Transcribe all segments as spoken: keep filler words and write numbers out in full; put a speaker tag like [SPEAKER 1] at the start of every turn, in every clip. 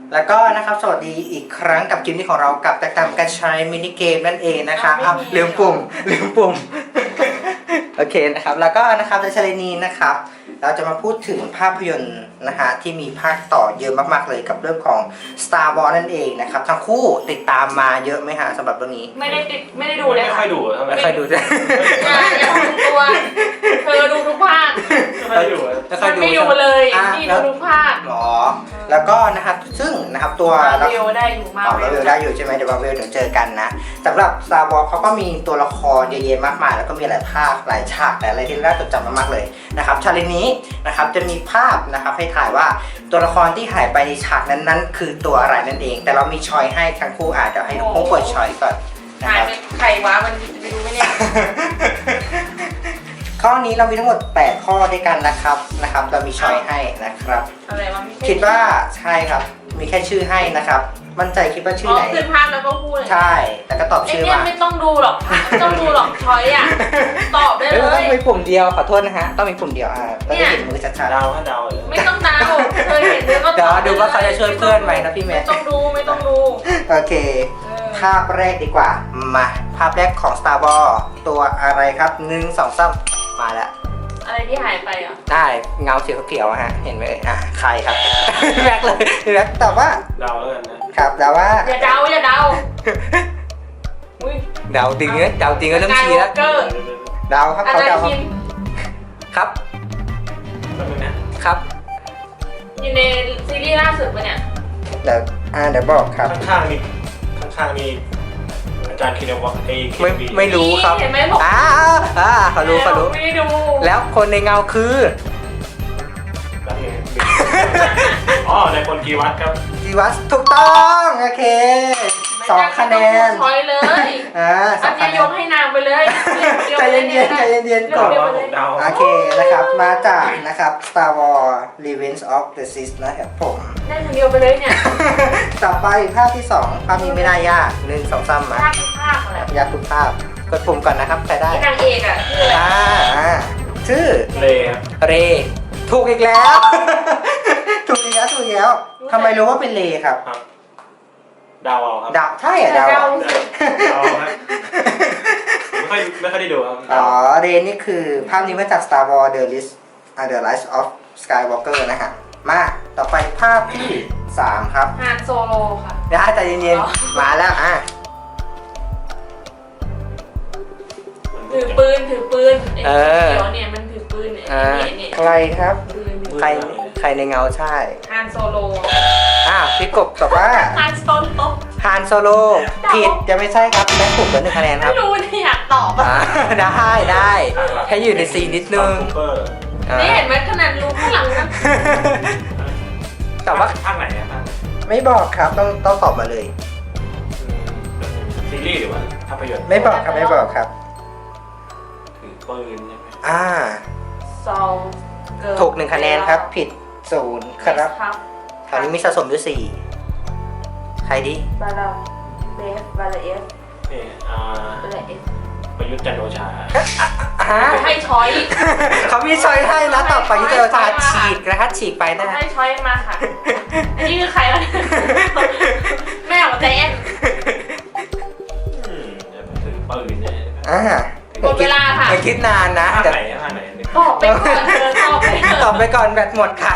[SPEAKER 1] แล้วก็นะครับสวัสดีอีกครั้งกับเกมนี้ของเรากับแตกต่างกันใช้มินิเกมนั่นเองนะคะอ้าวลืมปุ่มลืมปุ่ม โอเคนะครับแล้วก็นะครับในชาเลนนี้นะครับเราจะมาพูดถึงภาพยนตร์นะฮะที่มีภาคต่อเยอะมากๆเลยกับเรื่องของ Star Wars นั่นเองนะครับทั้งคู่ติดตามมาเยอะไหมฮะสำหรับเรื่องนี้
[SPEAKER 2] ไม่ได้ติดไม่ได้ดูเลย
[SPEAKER 3] ไม่
[SPEAKER 2] ค่ะ
[SPEAKER 3] ค่อยดูทำไม
[SPEAKER 1] ไม่ค่อยดูจ้ะ
[SPEAKER 2] อย่าอย่าทำตัวเธอดูทุกภาค
[SPEAKER 3] ไม่ค่อยดู
[SPEAKER 1] ไม่ค่อย
[SPEAKER 2] มัน
[SPEAKER 1] ดู
[SPEAKER 2] ไม่ดูเลย
[SPEAKER 1] อ่ะ
[SPEAKER 2] นี่
[SPEAKER 1] แล้
[SPEAKER 2] ดู
[SPEAKER 1] ว
[SPEAKER 2] ทุกภาค
[SPEAKER 1] หรอแล้วก็นะครับซึ่งนะครับตัว
[SPEAKER 2] มาเวลได้อยู่มา
[SPEAKER 1] อ๋อ
[SPEAKER 2] เว
[SPEAKER 1] มา
[SPEAKER 2] ล
[SPEAKER 1] เวลได้อยู่ใช่ไหมเดี๋ยวมาเวลเดี๋ยวเจอกันนะสำหรับ Star Wars เขาก็มีตัวละครเยอะแยะมากมายแล้วก็มีหลายภาคหลายฉากหลายอะไรที่น่าจดจำมากๆเลยนะครับชาเลนจ์นี้นะครับจะมีภาพนะครับให้ถ่ายว่าตัวละครที่หายไปในฉากนั้นๆคือตัวอะไรนั่นเองแต่เรามีชอยให้ทั้งคู่อาจจะให้ทั้งคู่เปิดชอยก่อนนะ
[SPEAKER 2] หา
[SPEAKER 1] ค
[SPEAKER 2] ย
[SPEAKER 1] รับ
[SPEAKER 2] ไปใครวะมันไปดูไหมเนี่ย
[SPEAKER 1] ข้อนี้เรามีทั้งหมดแปดข้อด้วยกันนะครับนะครับเรามีชอยให้นะครับ
[SPEAKER 2] อะไรวะไม่ใช่
[SPEAKER 1] คิดว่าใช่ครับมีแค่ชื่อให้นะครับมั่นใจคิดว่าชื่อ
[SPEAKER 2] อ๋อ
[SPEAKER 1] ไหน
[SPEAKER 2] ขึ้นภาพแล้วก็พูดเลย
[SPEAKER 1] ใช่แล้วก็ตอบ
[SPEAKER 2] ไอ
[SPEAKER 1] ชื่อ
[SPEAKER 2] เนี่ย
[SPEAKER 1] มา
[SPEAKER 2] ไม่ต้องดูหรอกไม่ต้องดูหรอกช้อยอ่ะตอบได้
[SPEAKER 1] เอ้ย
[SPEAKER 2] เล
[SPEAKER 1] ต้อย งมีปุ่มเดียวขอโทษนะฮะต้องมีปุ่มเดียวอ่าก็จะเห็นมือชัด
[SPEAKER 3] เดาถ้าเดาเลย
[SPEAKER 2] ไม่ต้องเดาเคยเห็นเดี๋ยวก็
[SPEAKER 1] ๆเดี๋ยวดูว่าเขาจะช่วยเพื่อนไหมนะพี่แม่
[SPEAKER 2] ไม่ต้องดูไม่ต้องดู
[SPEAKER 1] โอเค
[SPEAKER 2] เออ
[SPEAKER 1] ภาพแรกดีกว่ามาภาพแรกของ Star Wars ตัวอะไรครับหนึ่งสองสามมาแล้ว
[SPEAKER 2] อะไรที่หายไปอ่ะ
[SPEAKER 1] ได้เงาสีเขียวๆอะฮะเห็นไหมเอ่ยอ่ะใครครับ แม็กเลยแม็กตอบว่า
[SPEAKER 3] เดาแล้วกันนะครับ
[SPEAKER 1] แต่ว่า
[SPEAKER 2] อย่าเดาอย่าเดาอุ้ย
[SPEAKER 1] เดาจริงเนี่ยเดาจริงก็เริ่มชี้แล้ว
[SPEAKER 2] เกอร์
[SPEAKER 1] เดาครับ
[SPEAKER 2] อา
[SPEAKER 1] เขา
[SPEAKER 2] จาร
[SPEAKER 1] เดา
[SPEAKER 2] ย์คิม
[SPEAKER 1] ครับ
[SPEAKER 3] แป๊บนึงนะครับ
[SPEAKER 2] อยู่ในซีรีส์ล่าสุดปะเนี่ย
[SPEAKER 1] เดี๋ยวอ่าเดี๋ยวบอกครับ
[SPEAKER 3] ข้างๆนี่ข้างๆนี่อาจารย์คินวัตไอ้คิ
[SPEAKER 1] ไม่
[SPEAKER 3] บี
[SPEAKER 1] ไม่รู้ครับ
[SPEAKER 2] เห็นไหมบอก
[SPEAKER 1] อ้าวอ่าเขารู้เขารู้
[SPEAKER 2] ไม่ได้ดู
[SPEAKER 1] แล้วคนในเงาคือ
[SPEAKER 3] แล้วไงอ๋อในคนกีวัตครับ
[SPEAKER 1] จีวัสถูกต้องโอเคสองคะแนน
[SPEAKER 2] ช้อยเลย
[SPEAKER 1] อ่าส
[SPEAKER 2] อั
[SPEAKER 1] อน ง
[SPEAKER 2] นี้
[SPEAKER 1] คะแน
[SPEAKER 2] ย
[SPEAKER 1] น
[SPEAKER 2] กให้นางไปเลย
[SPEAKER 1] ใจเย็นๆใจเย็นๆก่อน
[SPEAKER 3] เดาว่าผมเดา
[SPEAKER 1] โอเคนะครับมาจากนะครับ Star Wars Revenge of the Sith นะครับผม
[SPEAKER 2] ได้คนเดียวไปเลยเนี่ย
[SPEAKER 1] ต่อไปภาพที่สองภาพนี้ไม่น่ายากหนึ่งสองสามมา
[SPEAKER 2] ภาคทุกภาคอะไร
[SPEAKER 1] ยากทุกภาพกดปุ่มก่อนนะครับใครได้
[SPEAKER 2] ที่นางเอกอ่ะคืออะไร
[SPEAKER 1] อ่าอ่าชื่อ
[SPEAKER 3] เลครับ
[SPEAKER 1] เรถูกอีกแล้ว ถูกอีกแล้วถูกอีกแล้วทำไมรู้ว่าเป็นเลครับ
[SPEAKER 3] ครับเดาเอาครับ
[SPEAKER 1] ดาวใช่เหรอดาว
[SPEAKER 2] เดา
[SPEAKER 1] อะ
[SPEAKER 2] สิ
[SPEAKER 3] เดาครับไม่ค่อยไม่ค่อยได้ดูครับ
[SPEAKER 1] อ๋อเรนี่คือภาพนี้มาจาก Star Wars The List uh, The Rise of Skywalker นะฮะมาต่อไปภาพที่สามครับ
[SPEAKER 2] ฮานโซโลค่ะ
[SPEAKER 1] เดี๋ยวใจเย็น
[SPEAKER 2] อ๋อ
[SPEAKER 1] ๆมาแล้วอ่ะ
[SPEAKER 2] ถือปืนถือปืนไอ้เขียวเนี่ยมันถือปืนเนี่ย
[SPEAKER 1] อ่า
[SPEAKER 2] เนี่ยเนี่ย
[SPEAKER 1] ใครครับ
[SPEAKER 2] ปืน
[SPEAKER 1] ใครใครในเงาใช่
[SPEAKER 2] ฮานโซโล
[SPEAKER 1] อ่ะพี่กบตอบว่า
[SPEAKER 2] ฮานโซโล
[SPEAKER 1] ฮานโซโลผิดจะไม่ใช่ครับแม็กถูกเหลือหนึ่งคะแนนค
[SPEAKER 2] ไม่
[SPEAKER 1] รับ
[SPEAKER 2] รู้นี่อยากตอบ
[SPEAKER 1] อ่า
[SPEAKER 2] อ่ะ
[SPEAKER 1] ได้ได้แค่อยู่ในซีนนิดนึง
[SPEAKER 3] ซูเปอร์
[SPEAKER 1] อ่า
[SPEAKER 2] นี่เห็นไหมขนาดรู้ข้างหลังนะ
[SPEAKER 1] แต่ว่า
[SPEAKER 3] ภาคไหนอะภาคไหน
[SPEAKER 1] ไม่บอกครับต้องต้องตอบมาเลย
[SPEAKER 3] อืมซีรีส์หรือว่าภาพยนตร์
[SPEAKER 1] ไม่บอกครับไม่บอกครับ
[SPEAKER 3] ถือปืนใช่ไหม
[SPEAKER 1] อ่า
[SPEAKER 2] ซองเกิร์ล
[SPEAKER 1] ถูกหนึ่งคะแนนครับ ผิดศูนย์ครับ
[SPEAKER 2] ครับ
[SPEAKER 1] คราวนี้มีสะสมอยู่สี่ใครดี
[SPEAKER 2] บาลาเบฟบาลาเอฟ
[SPEAKER 3] นี่อ่า
[SPEAKER 2] บาลาเอฟ
[SPEAKER 3] ประยุทธ์จันทร์โอชา
[SPEAKER 1] ฮะ
[SPEAKER 2] ให้ช้อย
[SPEAKER 1] เขามีช้อยให้นะต่อไปที่เราจะฉีกนะครับฉีกไปนะฮะ
[SPEAKER 2] ให้ช้อยมาค่ะ อันนี้คือใครวะแม่ของใจแอน
[SPEAKER 3] อืมจะถือปืนเนี่ย
[SPEAKER 1] อ่า
[SPEAKER 2] หมดเวลาค่ะ
[SPEAKER 1] อย่าคิดนานนะ
[SPEAKER 3] ภาค
[SPEAKER 1] เดี๋ยว
[SPEAKER 3] ไหนอะภาคไหนเนี่ย
[SPEAKER 2] ตอบไปก่อนเธอตอบไปเถอะ
[SPEAKER 1] ตอบไปก่อนแบตหมดค่ะ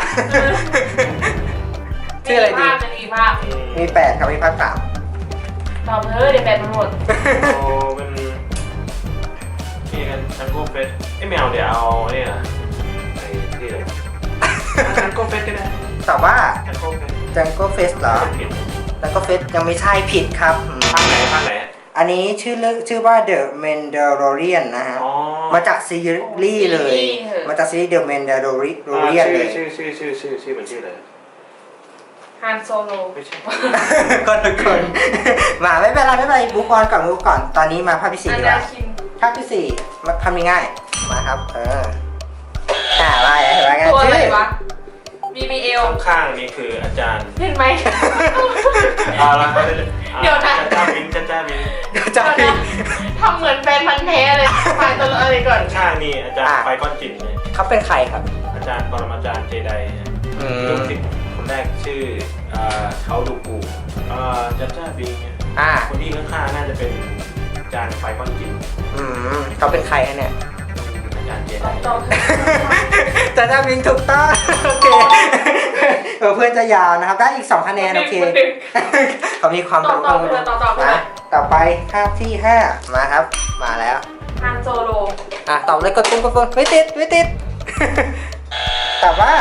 [SPEAKER 1] ชื่ออะไรดี
[SPEAKER 2] ภาพมันมีภาพ
[SPEAKER 1] มีแปดครับมีภาคสาม
[SPEAKER 2] ตอบเถอะเดี๋ยวแบตมันหมด
[SPEAKER 3] โอ้เป็นนี่กันชังโก้เฟสไอ้แมวเดี๋ยวเอาเนี่ยไอ้ที่อะไรชังโก้เฟสก็ได้
[SPEAKER 1] ตอบว่า
[SPEAKER 3] ชังโก้เฟส
[SPEAKER 1] จังโก้เฟสเหรอ
[SPEAKER 3] ผิด
[SPEAKER 1] จังโก้เฟสยังไม่ใช่ผิดครับอืม
[SPEAKER 3] ภาคไหนภาคไหน
[SPEAKER 1] อันนี้ชื่อเรื่องชื่อว่า The Mandalorian นะฮะ
[SPEAKER 3] อ๋อ
[SPEAKER 1] มาจากซีรีส์เลย มาจากซีรีส์ The Mandalorian เลย
[SPEAKER 3] ชื่อชื่อชื่อชื่อชื่อเป็นชื่ออะไร
[SPEAKER 2] ฮานโซโล
[SPEAKER 3] ไม่ใช่
[SPEAKER 1] คนทุกคน มาไม่เป็นไรไม่เป็นไรบุ๊กออนก่อนบุ๊กก่อน ตอนนี้มาภาพที่สี่
[SPEAKER 2] อัน
[SPEAKER 1] ดีก
[SPEAKER 2] ดา
[SPEAKER 1] ว่า
[SPEAKER 2] คิน
[SPEAKER 1] ภาพที่สี่มาทำง่ายๆมาครับ เอออ่าว่าไงว่าไง
[SPEAKER 2] ตัวอะไร
[SPEAKER 1] ชื่อ
[SPEAKER 2] วะ บี บี เอล
[SPEAKER 3] ข้างๆนี่คืออาจารย์
[SPEAKER 2] เห็นไหม
[SPEAKER 3] เอาละครับ
[SPEAKER 2] เดี๋ยวนะ
[SPEAKER 3] จ้าบินจ้าจ้าบิน
[SPEAKER 1] จะผิด
[SPEAKER 2] ทำเหมือนแฟนพันธ์แท้เลยฝ่ายตัวอะไรก่อน
[SPEAKER 3] ข้างๆนี่อาจารย์ไปก้อนจิ๋นเนี่ย
[SPEAKER 1] เขาเป็นใครครับ
[SPEAKER 3] อาจารย์ปรมาจารย์เจได
[SPEAKER 1] อื
[SPEAKER 3] ลู
[SPEAKER 1] ม
[SPEAKER 3] กศิษย์คนแรกชื่อเอ่อเขาดูกูเอ่อจันจ้าบิงเนี่ย
[SPEAKER 1] อ่า
[SPEAKER 3] คนที่ข้างๆน่าจะเป็นอาจารย์ไฟก้อนจิน
[SPEAKER 1] อืมเขาเป็นใครฮะเนี่ย
[SPEAKER 3] อาจารย์เจ
[SPEAKER 2] ต
[SPEAKER 3] ได
[SPEAKER 2] อบตอบ
[SPEAKER 1] จะจะบิงถูกต้องโอเคเออเพื่อนจะยาวนะครับ ได้อีกสองคะแนนโอเคเขามีความ
[SPEAKER 2] ตอบตอบไปเลยตอบตอบไปเล
[SPEAKER 1] มาย ต่อไปภาพที่ห้ามาครับ มาแล้ว
[SPEAKER 2] ฮานโซโล
[SPEAKER 1] อ่ะตอบเลยกดปุ่มกดปุ่มไม่ติดไม่ติด แต่ว่า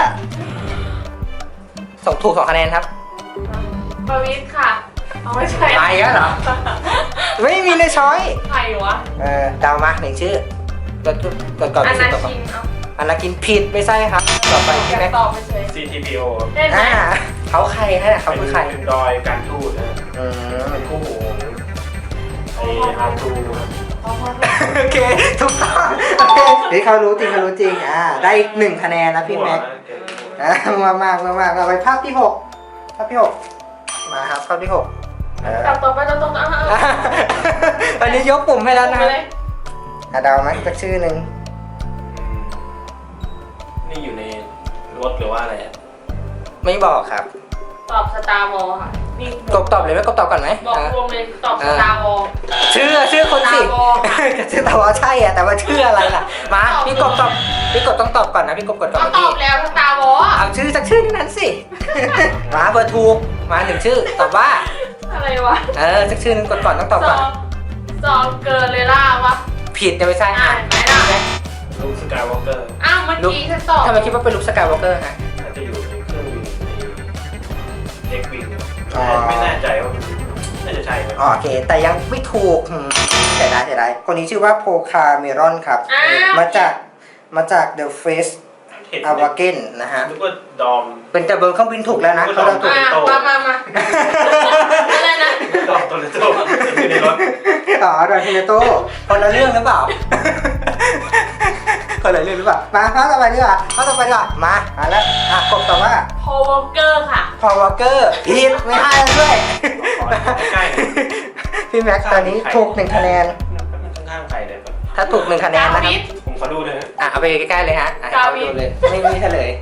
[SPEAKER 1] ส่งถูกสองคะแนนครับ
[SPEAKER 2] ปวิทย์ค่ะเอาไม่ใช่
[SPEAKER 1] ไปแล้วเหรอ ไม่มีในช้อย
[SPEAKER 2] ใครวะ
[SPEAKER 1] เออเดามาหนึ่งชื่อกดกดก่อน
[SPEAKER 2] อ
[SPEAKER 1] ไปสิ
[SPEAKER 2] นา
[SPEAKER 1] ต่อก่อน
[SPEAKER 2] คินเอา
[SPEAKER 1] อนากินผิดไม่ใช่ครับ ต่อไป
[SPEAKER 2] อ
[SPEAKER 1] ใช่
[SPEAKER 2] ยาก
[SPEAKER 1] ไหม
[SPEAKER 2] ตอบไปเฉย
[SPEAKER 3] ซี ที พี โอ
[SPEAKER 2] ได้ไหม
[SPEAKER 1] อ่าเขาใครฮะเขาคือใคร
[SPEAKER 3] เป็นดอยการทูตนะ
[SPEAKER 1] อืม
[SPEAKER 3] เป็นคู่หูไอ้ฮาทูครับ
[SPEAKER 2] เอาพอ
[SPEAKER 1] โอเคถูกต้องโอเคนี่เขารู้จริงเขารู้จริงอ่าได้อีกหนึ่งคะแนนนะพี่แม็ก อ่ะมามากมามากเราไปภาพที่หกภาพที่หกมาครับภาพที่หกเออ
[SPEAKER 2] ตอบต่อไปตอบต่อไปเอาเอา
[SPEAKER 1] อันนี้ยกปุ่มให้แล้วนะ
[SPEAKER 2] ไปเลย
[SPEAKER 1] อ่ะเดาไหมสักชื่อหนึ่ง
[SPEAKER 3] นี่อยู่ในรถหรือว่าอะไรอ่ะ
[SPEAKER 1] ไม่บอกครับ
[SPEAKER 2] ตอบสตาร์วอลค่ะนี่
[SPEAKER 1] กบตอบเลยไหมกบตอบก่อนไหม
[SPEAKER 2] บอก
[SPEAKER 1] อ่ะ
[SPEAKER 2] รวมเลยตอบสตาร์วอล
[SPEAKER 1] ชื่อชื่อคนสิ
[SPEAKER 2] Star Wars ค่ะ
[SPEAKER 1] ชื่อตอบว่าใช่อ่ะแต่ว่าชื่ออะไรล่ะมาพี่กบตอบพี่กบต้องตอบก่อนนะพี่กบกดก่อน
[SPEAKER 2] ก็
[SPEAKER 1] เมื่อ
[SPEAKER 2] ตอ
[SPEAKER 1] กี้
[SPEAKER 2] บแล้วสตาร์วอล
[SPEAKER 1] เอาชื่อสักชื่อนึงนั้นสิ มาเบอร์ถูกมาหนึ่งชื่อตอบว่า
[SPEAKER 2] อะไรวะ
[SPEAKER 1] เออสักชื่อนึงกดก่อนต้องตอบ
[SPEAKER 2] ซ
[SPEAKER 1] ก่
[SPEAKER 2] อ
[SPEAKER 1] อน
[SPEAKER 2] งซองเกินเลยล่าวะ
[SPEAKER 1] ผิดเนี่ยไม่ใช่
[SPEAKER 2] อ่า
[SPEAKER 1] อ่ะ
[SPEAKER 2] นไหมล่ะ
[SPEAKER 3] ลูกสกายวอล์กเกอร์
[SPEAKER 2] อ้าวเมื่อกี้ฉันตอบ
[SPEAKER 1] ทำไมคิดว่าเป็นลุคสกายวอล์กเกอร์ฮะ
[SPEAKER 3] อาจจะอยู่ในเครื่องบินในเอ็กวิง
[SPEAKER 1] อ๋อ
[SPEAKER 3] ไม่แน่ใจว่าน่าจะใช่ไหม
[SPEAKER 1] อ๋อโอเค แต่ยังไม่ถูกอืมเสียดายเสียดายคนนี้ชื่อว่าโพคาเมรอนครับ
[SPEAKER 2] อ้าว
[SPEAKER 1] มาจากมาจาก The Face
[SPEAKER 3] เห็น
[SPEAKER 1] a w a g e n นะฮะ
[SPEAKER 3] นึกว่าดอม
[SPEAKER 1] เป็นแต่เบอร์เครื่องบินถูกแล้วนะเขาเราถูก
[SPEAKER 2] อ่ามามามาอะไรนะ
[SPEAKER 3] ดอมตัวเล็กตัวอยู่ในรถ
[SPEAKER 1] อ๋อดอนเทเนโตคนละเรื่องหรือเปล่า คนละเรื่องหรือเปล่า มาข้อต่อไปดีกว่าข้อต่อไปดีกว่ามามาแล้วอ่ะกบตอบว่า
[SPEAKER 2] พอวอลเกอร์ค่ะ
[SPEAKER 1] พอวอลเกอร์ผิดไม่ให้แล้วด้วย
[SPEAKER 3] ใกล้
[SPEAKER 1] พี่แม็กซ์ตอนนี้ถูกหนึ่งคะแนน
[SPEAKER 3] ๆข้างๆใครเลยครับ
[SPEAKER 1] ถ้าถูกหนึ่งคะแนนนะครับ
[SPEAKER 2] ดาวิด
[SPEAKER 3] ผมขอดูหน่อยฮะ
[SPEAKER 1] อ่ะเอาไปใกล้ๆเลยฮะอ่ะให้เขาดูเลยไม่มีเฉลย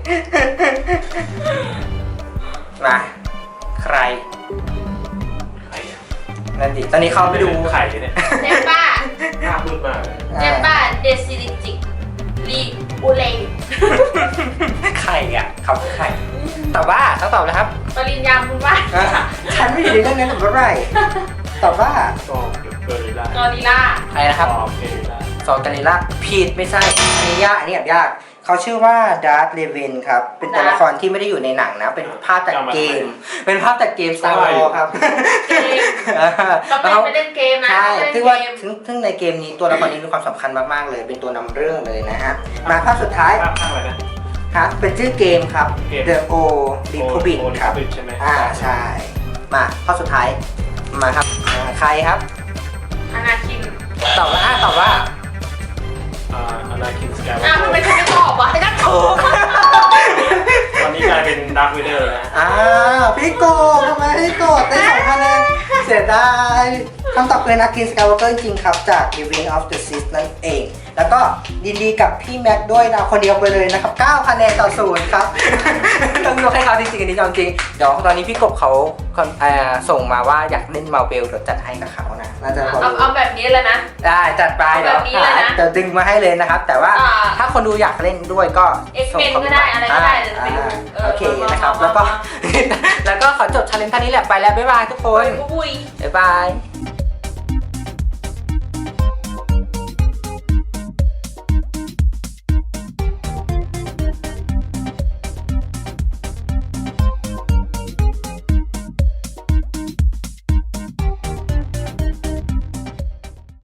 [SPEAKER 1] มาใคร
[SPEAKER 3] ใครอะ
[SPEAKER 1] นั่นดิตอนนี้เขาไปดู
[SPEAKER 3] ไข่เนี่ย
[SPEAKER 2] เนป้า
[SPEAKER 3] หน้าพูดมากเลย
[SPEAKER 2] เนป้าเดซิลิจิกลีอูเลง
[SPEAKER 1] ใครอ่ะเขาคือใครตอบว่าต้องตอบนะครับ
[SPEAKER 2] ปริญญาคุณว่า
[SPEAKER 1] อ่ะฉันไม่อยู่ในเรื่องนั้นหรือไรตอบว่า
[SPEAKER 3] ซองเกอริลล่าก
[SPEAKER 2] อริลล่า
[SPEAKER 1] ใครนะครับ
[SPEAKER 3] ซองเกอริลล่า
[SPEAKER 1] ซอกานิล่าผิดไม่ใช่อันนี้ยากอันนี้แบบยากเขาชื่อว่าดาร์ธเลเวนครับเป็นตัวละครที่ไม่ได้อยู่ในหนังนะเป็นภาพจากเกม เป็นภาพจากเกม Star Wars ครับ
[SPEAKER 2] เกม ก็เป็นไปเล่นเกมนะ
[SPEAKER 1] ใช่
[SPEAKER 2] เล่น
[SPEAKER 1] ซึ่ง
[SPEAKER 2] เก
[SPEAKER 1] ว่าม ซึ่งซึ่งในเกมนี้ตัวละครนี้มีความสำคัญมากๆเลย เป็นตัวนำเรื่องเลยนะฮะ มาภาพสุดท้าย
[SPEAKER 3] ภาพข้างอะไรนะ
[SPEAKER 1] ครับเป็นชื่อเกมครับ
[SPEAKER 3] เกม
[SPEAKER 1] The O Republic
[SPEAKER 3] โอ
[SPEAKER 1] ครับ
[SPEAKER 3] ลิมปิกใช่ไหม
[SPEAKER 1] อ่าใช่ มาภาพสุดท้าย มาครับอ่าใครครับ
[SPEAKER 2] อนาคิน
[SPEAKER 1] ตอบว่าอ่าตอบว่า
[SPEAKER 3] อ่าอนาคินสกายวอ
[SPEAKER 2] อ้าว
[SPEAKER 3] ล์ก
[SPEAKER 2] ทำ
[SPEAKER 3] เก
[SPEAKER 2] ไม
[SPEAKER 3] อร์
[SPEAKER 2] ฉันไม่ตอบวะ
[SPEAKER 1] ไม่ได้ถูก
[SPEAKER 3] ตอนนี้กลายเป็นดาร์คเวเดอร์แล้ว
[SPEAKER 1] อ้าวพี่โกดทำไมพี่โกดได้สองคะแนนเสียดายคำตอบคือนักกินสกายวอล์กเกอร์จริงๆครับ จาก The Ring of the Sith นั่นเอง แล้วก็ยินดีกับพี่แม็กด้วยนะคนเดียวไปเลยนะครับเก้าคะแนนต่อศูนย์ครับ ต้องยกให้เขาจริงๆอันนี้จริงๆเดี๋ยวตอนนี้พี่กบเขาเอ่อส่งมาว่าอยากเล่นมาเบลเดี๋ยวจัดให้กับเขานะน่าจะพอ
[SPEAKER 2] เอา
[SPEAKER 1] รู้
[SPEAKER 2] เอาแบบนี้เลยนะ
[SPEAKER 1] ได้จัดไป
[SPEAKER 2] เอา
[SPEAKER 1] เดี๋
[SPEAKER 2] แบ
[SPEAKER 1] ยว
[SPEAKER 2] บนี้เลยนะ
[SPEAKER 1] เดี๋ยวดึงมาให้เลยนะครับ แต่ว่า
[SPEAKER 2] อ่า
[SPEAKER 1] ถ้าคนดูอยากเล่นด้วยก็
[SPEAKER 2] X-Men
[SPEAKER 1] ส่ง
[SPEAKER 2] ก็ได้อะไรก็ได้เดี๋ยว
[SPEAKER 1] อ่า
[SPEAKER 2] ไปดูเออ
[SPEAKER 1] โอเคนะครับ
[SPEAKER 2] มามา
[SPEAKER 1] แล้วก็
[SPEAKER 2] มา
[SPEAKER 1] แล้วก็ขอจบชาเลนจ์ท่านี้แหละไปแล้วบ๊ายบายทุกคน
[SPEAKER 2] อุ้ย
[SPEAKER 1] บ๊ายบาย